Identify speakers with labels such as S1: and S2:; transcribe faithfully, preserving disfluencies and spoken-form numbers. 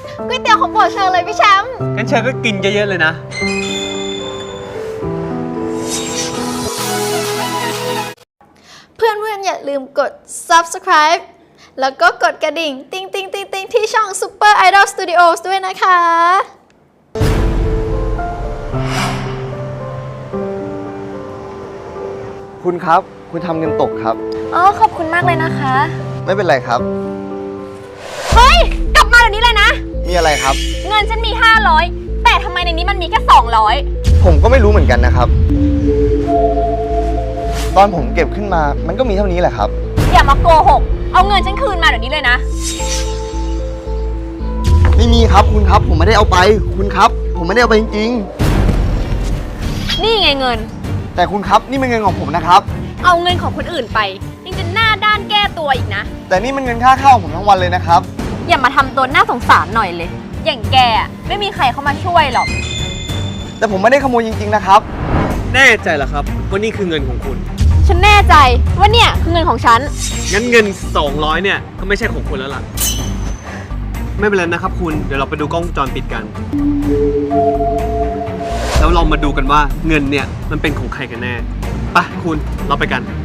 S1: ก๋วยเตี๋ยวของโปรดเชอเลยพี่แชมป์
S2: งั้นเชอก็กินเยอะๆเลยนะ
S1: เพื่อนๆอย่าลืมกด ซับสไครบ์ แล้วก็กดกระดิ่ง ติ๊งติ๊งติ๊งติ๊งที่ช่อง ซูเปอร์ ไอดอล สตูดิโอส ด้วยนะคะ
S3: คุณครับ คุณทำเงินตกครับ
S1: อ๋อ ขอบคุณมากเลยนะคะ
S3: ไม่เป็นไรครับ
S1: เฮ้ย กลับมาเดี๋ยวนี้เลยนะ
S3: มีอะไรครับ
S1: เงินฉันมีห้าร้อยแต่ทำไมในนี้มันมีแค่สองร้อย
S3: ผมก็ไม่รู้เหมือนกันนะครับ ตอนผมเก็บขึ้นมา มันก็มีเท่านี้แหละครับ
S1: อย่ามาโกหก เอาเงินฉันคืนมาเดี๋ยวนี้เลยนะ
S3: ไม่มีครับคุณครับ ผมไม่ได้เอาไป คุณครับ ผมไม่ได้เอาไปจริง
S1: นี่ไงเงิน
S3: ๆ แต่คุณครับ นี่เป็นเงินของผมนะครับ
S1: เอาเงินของคนอื่นไปยังจะหน้าด้านแก้ตัวอีกนะ
S3: แต่นี่มันเงินค่าข้าวของผมทั้งวันเลยนะครับ
S1: อย่ามาทำตัวน่าสงสารหน่อยเลย อย่างแกอะไม่มีใครเข้ามาช่วยหรอก
S3: แต่ผมไม่ได้ขโมยจริงๆนะครับ
S2: แน่ใจเหรอครับว่านี่คือเงินของคุณ
S1: ฉันแน่ใจว่าเนี่ยคือเงินของฉัน
S2: งั้นเงินสองร้อยเนี่ยก็ไม่ใช่ของคุณแล้วล่ะ ไม่เป็นไรนะครับคุณ เดี๋ยวเราไปดูกล้องวงจรปิดกัน แล้วเรามาดูกันว่าเงินเนี่ยมันเป็นของใครกันแน่ไปคุณเราไปกัน